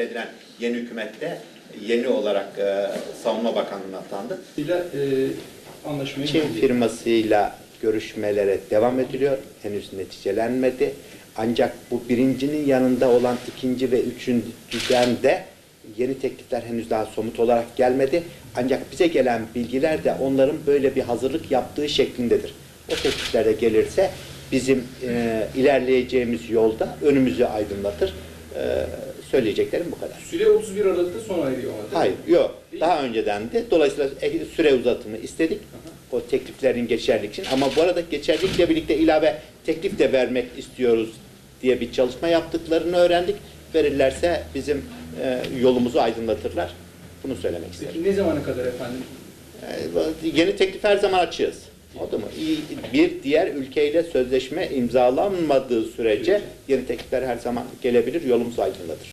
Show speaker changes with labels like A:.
A: edilen yeni hükümette yeni olarak Savunma Bakanlığı'na atandı.
B: Anlaşmayı
A: Çin firmasıyla görüşmelere devam ediliyor. Henüz neticelenmedi. Ancak bu birincinin yanında olan ikinci ve üçüncüden de yeni teklifler henüz daha somut olarak gelmedi. Ancak bize gelen bilgiler de onların böyle bir hazırlık yaptığı şeklindedir. O teklifler de gelirse bizim ilerleyeceğimiz yolda önümüzü aydınlatır. Söyleyeceklerim bu kadar.
B: Süre 31 Aralık'ta sona eriyor ama.
A: Hayır, yok. Daha önceden de dolayısıyla süre uzatımı istedik. O tekliflerin geçerlilik için. Ama bu arada geçerlilikle birlikte ilave teklif de vermek istiyoruz diye bir çalışma yaptıklarını öğrendik. Verirlerse bizim yolumuzu aydınlatırlar. Bunu söylemek istedim.
B: Peki ne zamana kadar efendim?
A: Yeni teklif her zaman açığız. Oldu mu? Bir diğer ülkeyle sözleşme imzalanmadığı sürece yeni teklifler her zaman gelebilir, yolumuzu aydınlatır.